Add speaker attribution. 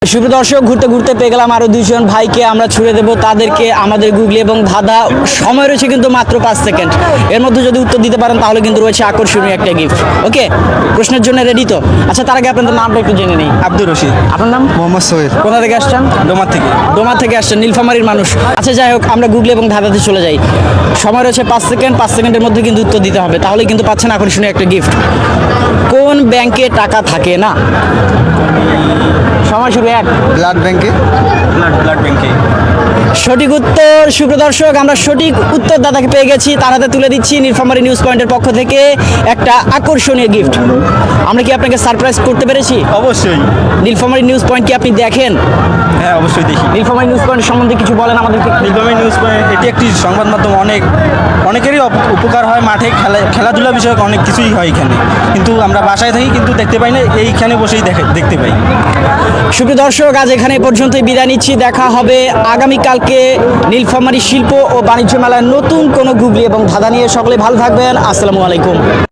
Speaker 1: সুপ্রিয় দর্শক, ঘুরতে ঘুরতে পেয়ে গেলাম আরো দুইজন ভাইকে। আমরা ছুড়ে দেব তাদেরকে আমাদের গুগলি এবং ধাঁধা। সময় রয়েছে কিন্তু মাত্র 5 সেকেন্ড। এর মধ্যে যদি উত্তর দিতে পারেন তাহলে কিন্তু রয়েছে আকর্ষণীয় একটা গিফট। ওকে, প্রশ্নের জন্য রেডি তো? আচ্ছা, তার আগে আপনাদের নামটা একটু জেনে নেই।
Speaker 2: আব্দুর রশিদ।
Speaker 1: আপনার নাম?
Speaker 2: মোহাম্মদ সোহেল।
Speaker 1: কোথা থেকে আসছেন?
Speaker 2: ডোমার থেকে।
Speaker 1: ডোমা থেকে আসছেন, নীলফামারীর মানুষ। আচ্ছা, যাই হোক, আমরা গুগলি এবং ধাঁধাতে চলে যাই। সময় রয়েছে 5 সেকেন্ড। 5 সেকেন্ডের মধ্যে কিন্তু উত্তর দিতে হবে, তাহলে কিন্তু পাচ্ছেন আকর্ষণীয় একটা গিফট। কোন ব্যাংকে টাকা থাকে না? সময় শুরু 1।
Speaker 2: ব্লাড ব্যাংকে। ব্লাড ব্যাংকে।
Speaker 1: সঠিক উত্তর। সুপ্রিয় দর্শক, আমরা সঠিক উত্তর দাদাকে পেয়ে গেছি। তার হাতে তুলে দিচ্ছি নীলফামারী নিউজ পয়েন্টের পক্ষ থেকে একটা আকর্ষণীয় গিফট। আমরা কি আপনাকে সারপ্রাইজ করতে পেরেছি?
Speaker 2: অবশ্যই।
Speaker 1: নীলফামারী নিউজ পয়েন্ট কি আপনি দেখেন?
Speaker 2: হ্যাঁ, অবশ্যই দেখি।
Speaker 1: নীলফামারী নিউজ পয়েন্ট সম্বন্ধে কিছু বলেন আমাদেরকে।
Speaker 2: নীলফামারী নিউজ পয়েন্ট এটি একটি সংবাদ মাধ্যম। অনেকেরই উপকার হয়। মাঠে খেলাধুলা বিষয়ক অনেক কিছুই হয় এখানে, কিন্তু আমরা বাসায় থাকি কিন্তু দেখতে পাই না, এইখানে বসেই দেখতে পাই।
Speaker 1: সুপ্রিয় দর্শক, আজ এখানে পর্যন্তই বিদায় নিচ্ছি। দেখা হবে আগামীকালকে নীলফামারী শিল্প ও বাণিজ্য মেলায় নতুন কোনো গুগলি এবং ধাঁধা নিয়ে। সকলে ভালো থাকবেন। আসসালামু আলাইকুম।